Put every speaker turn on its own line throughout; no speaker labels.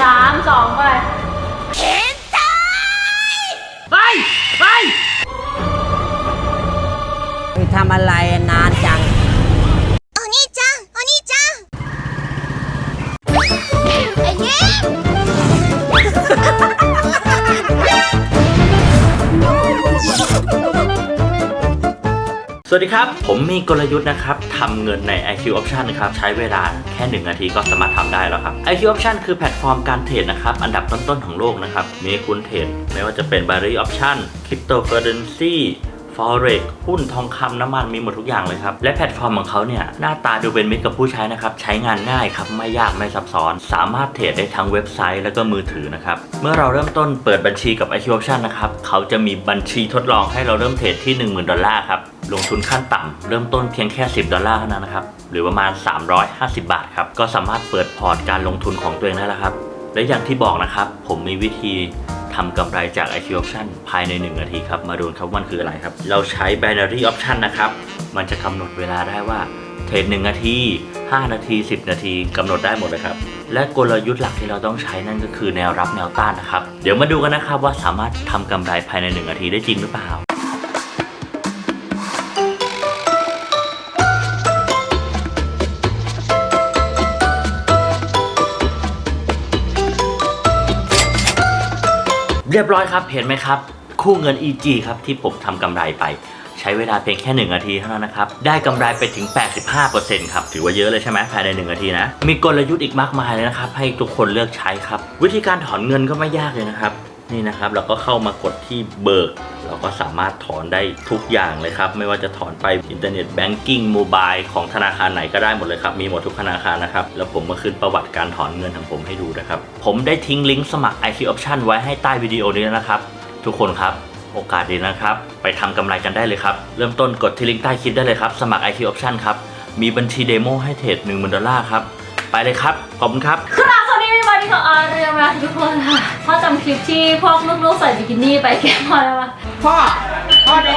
3 2ไป
ไปทำอะไรนานจัง
お兄ちゃんお兄ちゃんえげ
สวัสดีครับผมมีกลยุทธ์นะครับทำเงินใน IQ Option นะครับใช้เวลาแค่1 นาทีก็สามารถทำได้แล้วครับ IQ Option คือแพลตฟอร์มการเทรดนะครับอันดับต้นๆของโลกนะครับมีให้คุณเทรดไม่ว่าจะเป็น Binary Option Cryptocurrency Forex หุ้นทองคำน้ำมันมีหมดทุกอย่างเลยครับและแพลตฟอร์มของเขาเนี่ยหน้าตาดูเป็นมิตรกับผู้ใช้นะครับใช้งานง่ายครับไม่ยากไม่ซับซ้อนสามารถเทรดได้ทั้งเว็บไซต์แล้วก็มือถือนะครับเมื่อเราเริ่มต้นเปิดบัญชีกับ IQ Option นะครับเขาจะมีบัญชีทดลองให้เราเริ่มเทรดที่ $10,000 ครับลงทุนขั้นต่ำเริ่มต้นเพียงแค่$10เท่านั้นนะครับหรือประมาณ350 บาทครับก็สามารถเปิดพอร์ตการลงทุนของตัวเองได้แล้วครับและอย่างที่บอกนะครับผมมีวิธีทำกำไรจาก IQ Option ภายใน1 นาทีครับมาดูครับมันคืออะไรครับเราใช้ Binary Option นะครับมันจะกำหนดเวลาได้ว่าเทรด1 นาที5 นาที10 นาทีกำหนดได้หมดเลยครับและกลยุทธ์หลักที่เราต้องใช้นั่นก็คือแนวรับแนวต้านนะครับเดี๋ยวมาดูกันนะครับว่าสามารถทำกำไรภายใน1 นาทีได้จริงหรือเปล่าเรียบร้อยครับเห็นไหมครับคู่เงิน EG ครับที่ผมทำกำไรไปใช้เวลาเพียงแค่1 นาทีเท่านั้นนะครับได้กำไรไปถึง 85% ครับถือว่าเยอะเลยใช่ไหมภายใน1 นาทีนะมีกลยุทธ์อีกมากมายเลยนะครับให้ทุกคนเลือกใช้ครับวิธีการถอนเงินก็ไม่ยากเลยนะครับนี่นะครับเราก็เข้ามากดที่เบิกเราก็สามารถถอนได้ทุกอย่างเลยครับไม่ว่าจะถอนไปอินเทอร์เน็ตแบงกิ้งโมบายของธนาคารไหนก็ได้หมดเลยครับมีหมดทุกธนาคารนะครับแล้วผมมาขึ้นประวัติการถอนเงินของผมให้ดูนะครับผมได้ทิ้งลิงก์สมัคร IQ Option ไว้ให้ใต้วิดีโอนี้นะครับทุกคนครับโอกาสดีนะครับไปทำกำไรกันได้เลยครับเริ่มต้นกดที่ลิงก์ใต้คลิปได้เลยครับสมัคร IQ Option ครับมีบัญชีเดโมให้เทรด$10,000ครับไปเลยครับขอบคุณครับ
สวัสดีพี่บอดี้ของอาเรียมาทุกคนค่ะพ่อจำคลิปที่พวกลูกๆใส่บิกินี่ไปแก้พ่อได้ปะ
พ่อดู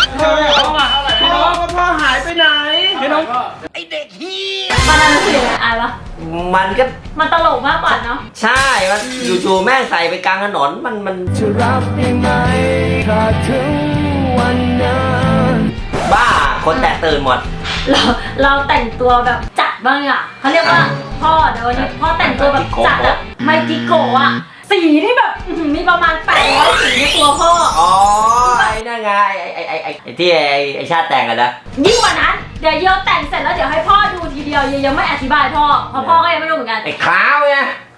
พ่อหายไปไหนพี่น้องไอเด็กฮี
ตอนนั้นรู้สึกยังไงอายปะมันตลกมากกว่าเนาะ
ใช่มันอยู่ๆแม่งใส่ไปกลางถนนมัน
จะรับได้ไหมถ้าถึงวันนั้น
บ้าคนแตกตื่นหมด
เราแต่งตัวแบบจัดบ้างอ่ะเขาเรียกว่าพ่อเดี๋ยววันนี้พ่อแต่งตัวแบบจัดอะไมจิโกะอะสีที่แบบมีประมาณ800 สีในตัวพ่อ
อ๋อไอ้นั่นไงไอ้ที่ไอ้ชาติแต่งกันนะ
ยิ่งกว่านั้นเดี๋ยวเยอะแต่งเสร็จแล้วเดี๋ยวให้พ่อดูทีเดียวยังไม่อธิบายพ่อเพราะพ่อก็ยังไม่รู้เหมือนกัน
ไอ้ขาวไง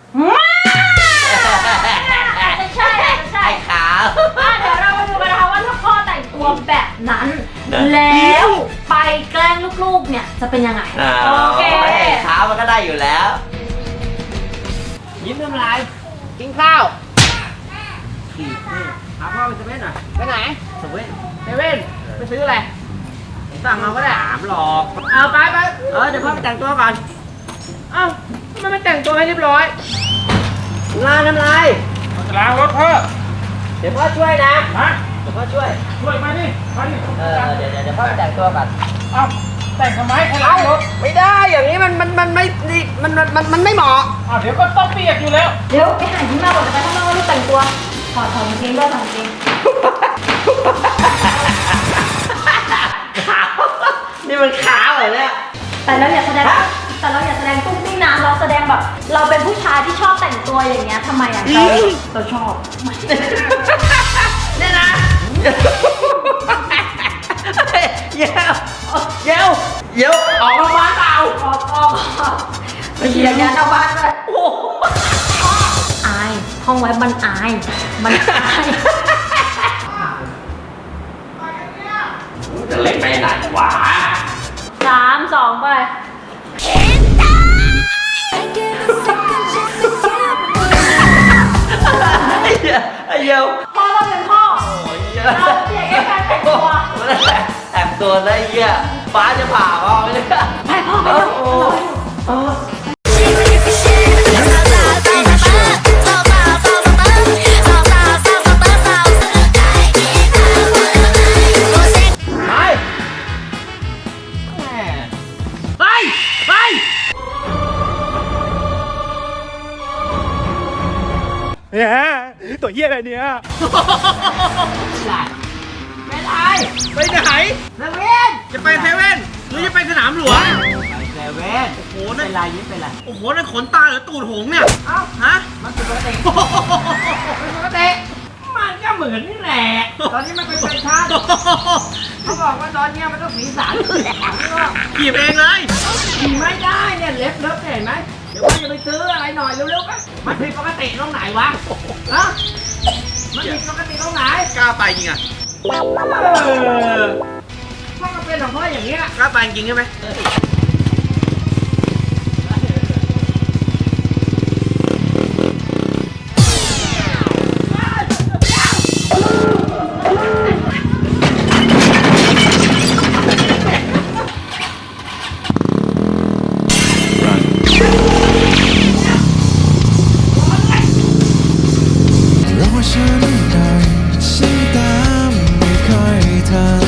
ใช่
ไอ้ขาว
เดี๋ยวเรามาดูกันนะคะว่าถ้าพ่อแต่งตัวแบบนั้นแล้วไปแกล้งลูกๆเนี่ยจะเป็นยังไงโอเค
ขาวมันก็ได้อยู่แล้ว
ยิ้มทำไรกินข้าวขี่นี่พาพ่อไปเซเว่นหน่อยไปไหนเซเว่นไปซื้ออะไรสั่งมาก็ได้ถามหรอกเอาไป
เดี๋ยวพ่อไปแต่งตัวก่อน
เอ้าทำไมไม่แต่งตัวให้เรียบร้อย
น้ำลาย
ล้างรถพ่อ
เดี๋ยวพ่อช่วยนะเดี๋ยวพ่อช่วย
มาดิ
เดี๋ยวพ่อไปแต่งตัวก่อน
เอ้าแต่งทำไมให้ล้างรถ
ไม่ได้อย่างนี้มันไม่เหมาะ
เดี๋ยวก็ต้องเปียกอยู่แล้ว
เดี๋ยวไปหาที่มาก่อนไปข้างนอกรีบแต่งตัวถอดกางเกงด้วยถอดกางเกง
ขาวนี่มันขาวเหรอเนี่ย
แต่เราอย่าแสดงตุ้งติ้งนะเราแสดงแบบเราเป็นผู้ชายที่ชอบแต่งตัวอย่างเงี้ยทำไมอ่ะเราชอบ
เนี่ยนะเยวออกมาบ้านเปล่า
ออกไปเยียร์เอาบ้านด้วยอายห้องไว้มันอาย
จะเล่นไปไหนวะ
3 2ไป
ไอ้เยว
พ่อต้องเป็นพ่อเราเพียงแค่การแต่งตัว
แล้วเหี้ยฟ้าจะผ่าพ่อไม่ได้
ไปพ่อไปเร็ว
ตัวเหี้ยอะไรเนี่ย
เป็นไร
ไปไหน
เซเว่น
จะไปเซเว่นหรือจะไปสนามหลวง
ไปเซเว่น
โอ้โห
เป็
นั่น
นไรยิ้มเป็นไร
โอ้โหนั่นขนตาหรือตูดหงส์เนี่ย
เอ้า
ฮะ
มันเป็นปกติเป็นปกติมันก็เหมือนนี่แหละตอนนี้มันเป็นแฟชั่นเขาบอกว่าตอนนี้มันต้องสีสัน
ขี่เองเลย
ขี่ไม่ได้เนี่ยเล็บเห็นไหมเดี๋ยวว่าจะไปซื้ออะไรหน่อยเร็วๆกันมันผิดปกติตรงไหนวะฮะมันผิดปกติตรงไหน
กล้าไปจริงอ่ะ
พ่อก็เป็นของพ่ออย่างเงี้ย
กล้าไปจริงใช่ไหม
รอฉันหน่อยฉันตามไม่ค่อยทัน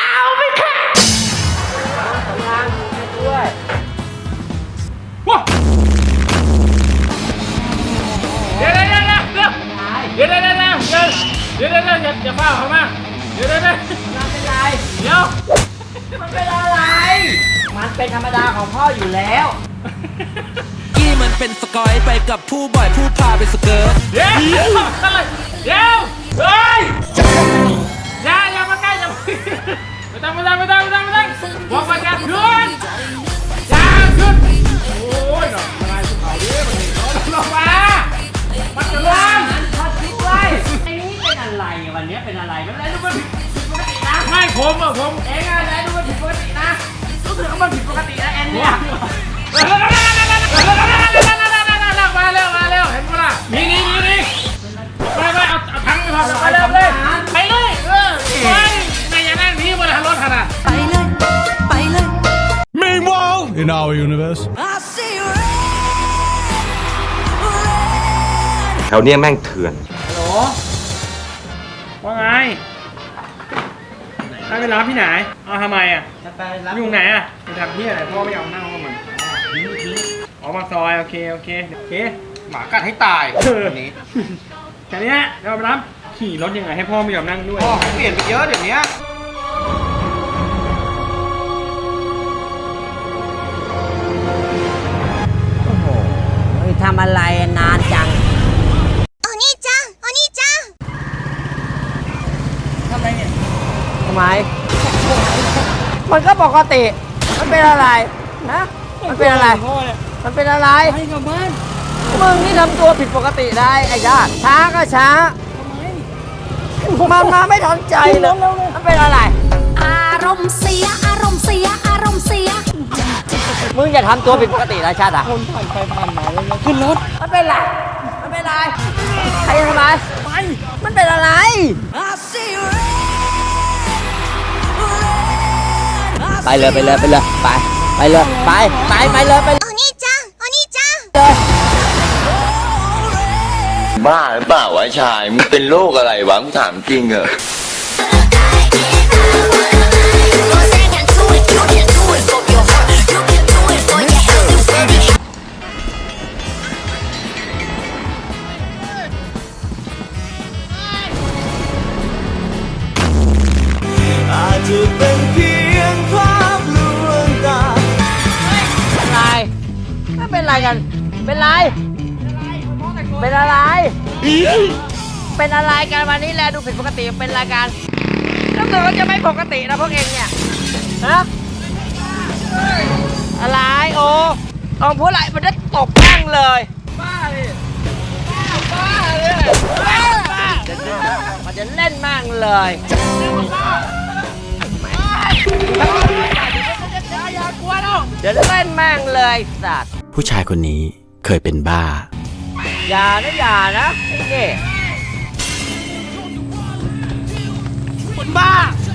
เดี๋ยวอย่าเฝ้าเขามาเดี๋ยว
มันเป็นไร
เดี๋ยว
มันเป็นอะไร มันเป็นธรรมดาของพ่ออยู่แล้ว
กี้มันเป็นสกอยไปกับผู้บ่อยผู้พาไปสเกิร์ต
เดี๋ยวเฮ้ยอย่ามาใกล้อย่าไม่ต้องบอกประกันขึ้นอย่าขึ้นโอ้ยดอกอะไรสุดเขาดิมันลงมามันจะล้ม
พ่อช่วยไอ้นี่เป็นอะไรวันนี้เป็นอะไรมันอะไรดูมันผิดปกตินะ
ไม่ผม
เองอะไรดูมันผิดปกตินะรู้สึกว่ามันผิดปกตินะแอนเนี่ย
มาเร็วเห็นปะล่ะนี่ไม่เอาทั้งไปพอไปเลยไปไม่อย่านั่งนี่บนรถขนาด
Meanwhile in our universe
แถวเนี้ยแม่งเถื่อน
ฮัลโหลว่าไงได้ไปรับที่ไหนเอาทำไมอ่ะ
จะไปรับ
อยู่ไหนอ่ะไปทำที่อะไรพ่อไม่ยอมนั่งกับมันออกมาซอยโอเคหมากัดให้ตายวันนี้แค่นี้เราไปรับขี่รถยังไงให้พ่อไม่ยอมนั่งด้วยพ่อเปลี่ยนไปเยอะเดี๋ยวนี้
ทำอะไรนานจัง
お兄ちゃんお兄ちゃん
ทำไม มันก็ปกติ มันเป็นอะไรนะมันเป็นอะไร มันเป็นอะไรไปกับบ้านมึงนี่ทำตัวผิดปกติได้ไอ้ญาติช้าก็ช้ามันมาไม่ทันใจเลยมันเป็นอะไร
อารมณ์เสียอารมณ์เสียอารมณ์เสีย
มึงอย่าทำตัวผิดปกตินะชาติอ่ะคนผ่านไปผ่านมาเลยขึ้นรถมันเป็นไรมันเป็นไรใครทำไมมันเป็นอะไรไปเลยไปเลยไปเลยไปไปเลยไปเลยไป
お兄ちゃんお兄ちゃん
เลย
บ้าหรือเปล่าวะชาย มึงเป็นโรคอะไรวะมึงถามจริงเหรอ
อาจจะเป็นเพียงภาพลวงตา
อะไรไม่เป็นไรกันเป็นไรเป็นอะไร เป็นอะไรกันวันนี้แลดูผิดปกติเป็นรายการแล้วตัวก็จะไม่ปกตินะพวกเองเนี่ยฮะอะไรโอ้ลองพูดอะไรมันจะตบแม่งเลยบ้าเลยบ้าเลยมันจะเล่นแม่งเลยอย่ากลัวน้องเดี๋ยวเล่นแม่งเลยสัตว์
ผู้ชายคนนี้เคยเป็นบ้า
อย่านะนี่คนบ้า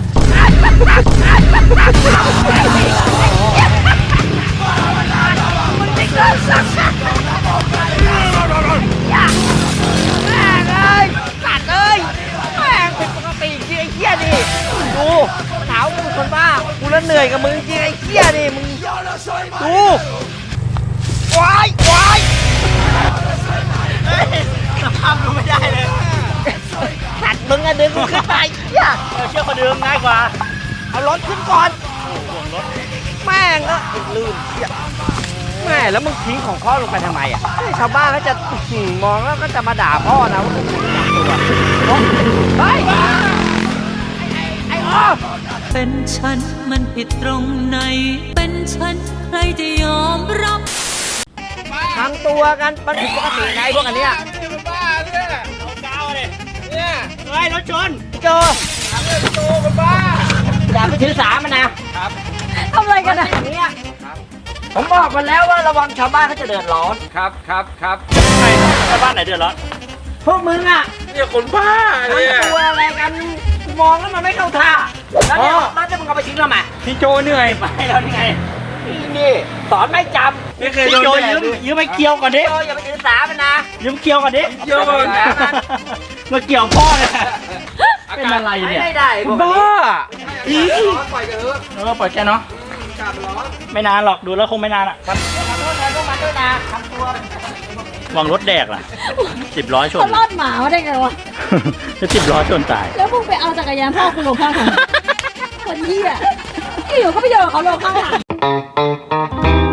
แม่งเลยสัตว์เลยแม่งเป็นปกติจริงไอ้เหี้ยนี่ดูมันถามว่ามึงเป็นคนบ้ากูแล้วเหนื่อยกับมึงจริงไอ้เหี้ยนี่มึงดูว้ายสภาพดูไม่อะดึงกูขึ้นไปเหี้ย
เชื่อคนเดิมง่ายกว่า
เอารถขึ้นก่อนแม่งก็ลืมเหี้ยแม่แล้วมึงทิ้งของพ่อลงไปทำไมอ่ะชาวบ้านก็จะมองแล้วก็จะมาด่าพ่อนะว่ามึงทำตัวเฮ้ยไอ้อ้อ
เป็นฉันมันผิดตรงไหน เป็นฉันใครจะยอมรับ
ทำตัวกันมันผิดปกติไงพวกอันเนี้ย
บ้าเนี่ย เนี่ย
เฮ้ยรถชนเจอ
โตกันบ้า
อย่าไปถือสามันนะ
ทำอะไรกันอะ
อย่างเนี้ยผมบอกมันแล้วว่าระวังชาวบ้านเขาจะเดือดร้อน
ครับครับครับ
ใครชาวบ้านไหนเดือดร้อน
พวกมึงอ่ะ
เนี่ยคนบ้าเนี่ย
ทำตัวอะไรกันมองแล้วมันไม่เข้าท่าแล้วเนี่ยแล้วจะมึงเอาไปทิ้งทำไม
พี่โจเหนื่อย
ไม่แล้วนี่ไง
นี่สอนไม่จำ
ไม่เคย
พี่
โด
โจ
นแดด
ยืมไปเกี่ยวก่อนดิ
โยอย่าไปถือสามันนะ
ยืมเกี่ยวก่อนดิ
โยน
มาเกี่ยวพ่อเนี่ยเป็นอะไรเนี่ย
ไม่ได้พวกนี้
บ้า
ปล่อยแกเนาะไม่นานหรอกดูแล้วคงไม่นานอ่ะ
ขอโทษแทนพวกมันด้วยนะทำตัว
วางรถแดกล่ะ10 ล้อชน
เขารอดหมามาได้ไงวะ
จะ10 ล้อชนตาย
แล้วมึงไปเอาจักรยานพ่อคุณลงข้างทางคนเหี้ยอยู่ก็ไปโยนเขาลงข้างทาง